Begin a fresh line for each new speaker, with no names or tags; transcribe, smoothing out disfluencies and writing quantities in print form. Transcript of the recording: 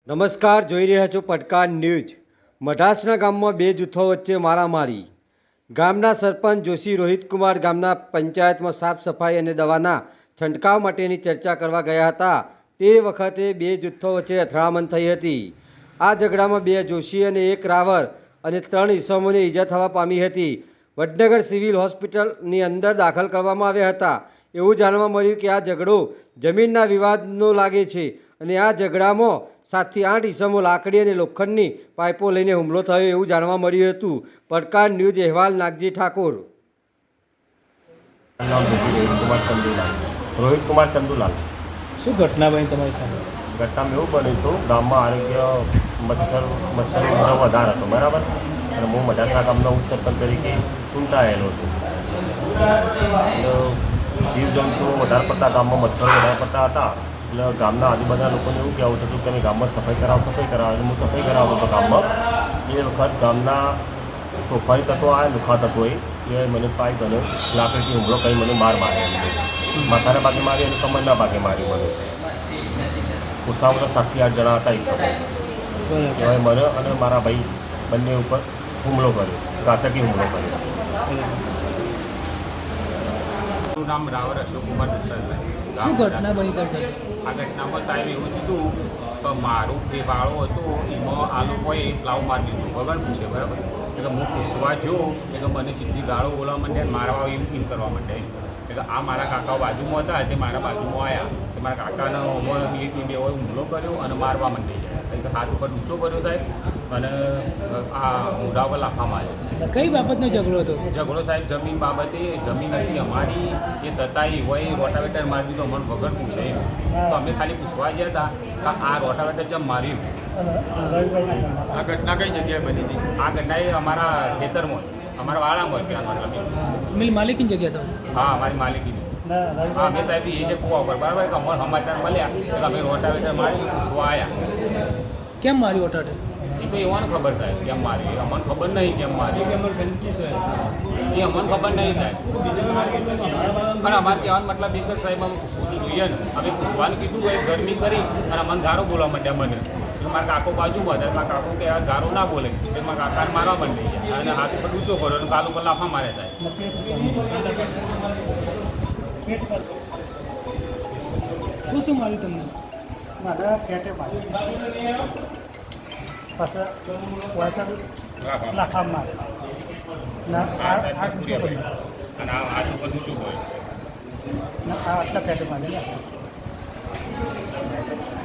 નમસ્કાર, જોઈ રહ્યા છો પડકાર ન્યૂઝ। મઢાસના ગામમાં બે જૂથો વચ્ચે મારામારી। ગામના સરપંચ જોશી રોહિતકુમાર ગામના પંચાયતમાં સાફ સફાઈ અને દવાના છંટકાવ માટેની ચર્ચા કરવા ગયા હતા। તે વખતે બે જૂથો વચ્ચે અથડામણ થઈ હતી। આ ઝઘડામાં બે જોશી અને એક રાવર અને 3 ઈસમોને ઈજા થવા પામી હતી। વડનગર સિવિલ હોસ્પિટલની અંદર દાખલ કરવામાં આવ્યા હતા। એવું જાણવા મળ્યું કે આ ઝઘડો જમીનના વિવાદનો લાગે છે અને આ ઝઘડામાં 7 થી 8 ઈસમો લાકડી અને લોખંડની પાઇપો લઈને હુમલો થયો એવું જાણવા મળ્યું હતું। પડકાર ન્યૂઝ અહેવાલ નાગજી ઠાકોર।
નામ રોહિતકુમાર ચંદુલાલ।
શું ઘટના બની તમારી સાથે?
ઘટનામાં એવું બન્યું હતું, ગામમાં આરોગ્ય મચ્છરનો ઉધરો વધારે હતો, બરાબર। અને હું મઢાસના ગામનો ઉપસરપંચ તરીકે ચૂંટાયેલો છું। જીવજંતુઓ વધારે પડતા ગામમાં મચ્છરો વધારે પડતા હતા, એટલે ગામના આજુબાજુના લોકોને એવું કહેવું થતું કે તમે ગામમાં સફાઈ કરાવો એટલે હું સફાઈ કરાવતો હતો ગામમાં। એ વખત ગામના તોફાની તત્વો આવ્યા, લુખા તત્વોએ એ મને પાઇપ અને લાકડીથી હુમલો કરી મને માર્યો। માથાના ભાગે મારી અને કમરના ભાગે મારી મને। ગુસ્સામાં 7 થી 8 જણા હતા ઈસમો। એવાય મને અને મારા ભાઈ બંને ઉપર હુમલો કર્યો, ઘાતકી હુમલો કર્યો।
મારું નામ રાવર અશોકકુમાર દશરથભાઈ।
શું ઘટના બની હતી?
આ ઘટનામાં સાહેબ એવું થયું કે મારું જે વાળો હતો એમાં આ લોકોએ પ્લાવ મારી દીધું વગર પૂછે, બરાબર। એટલે હું પૂછવા જો એટલે મને સીધી ગાળો બોલવા માંડ્યા, મારવા એમ કરવા માંડ્યા। એટલે આ મારા કાકાઓ બાજુમાં હતા, તે મારા બાજુમાં આવ્યા, કે મારા કાકાને બે હુમલો કર્યો અને મારવા માંડી જાય। એટલે હાથ ઉપર ઊંચો કર્યો સાહેબ અને આ મોઢા પર લાફા માર્યો।
કઈ બાબતનો ઝઘડો હતો?
ઝઘડો સાહેબ જમીન બાબતે, જમીન હતી અમારી, એ છતાંય હોય રોટાવેટર મારી દીધો મને વગર પૂછે। તો અમે ખાલી પૂછવા ગયા હતા કે આ રોટાવેટર જેમ માર્યું। આ ઘટના કઈ જગ્યાએ બની હતી? આ ઘટના એ અમારા ખેતરમાં, અમારા વાળામાં ત્યાં
મિલ માલિકીની જગ્યા તો?
હા, અમારી માલિકીની। હા, અમે સાહેબ એ છે કુવા ઉપર, બરાબર, કે અમારા સમાચાર મળ્યા તો અમે રોટાવેટર મારી પૂછવા આવ્યા।
કેમ મારી ઓટાટે?
એ તો એવાને ખબર સાહેબ કેમ મારી, અમને ખબર નહીં કેમ મારી, એ અમને ખબર નહીં સાહેબ। પણ અમારે કહેવાનો મતલબ એક જ સાહેબ, અમે પૂછવું જોઈએ ને, અમે પૂછવાનું કીધું હોય, ગરમી કરી અને અમને ગારો બોલવા માંડ્યા મને। મારા કાકો બાજુમાં હતા, મારા કાકો કે આ ગારો ના બોલે, એટલે મારા કાકાને મારવા માંડી ગયા અને હાથ ઉપર ઊંચો કર્યો અને ગાલ ઉપર લાફા માર્યા સાહેબ।
શું માર્યું તમને?
મારા પેટે માર્યું, પાછા લાખા મારે ના આ ઊંચો કર્યો
અને આ હાથ ઉપર ઊંચું કર્યું
ના આ આટલા પેટે મારે ને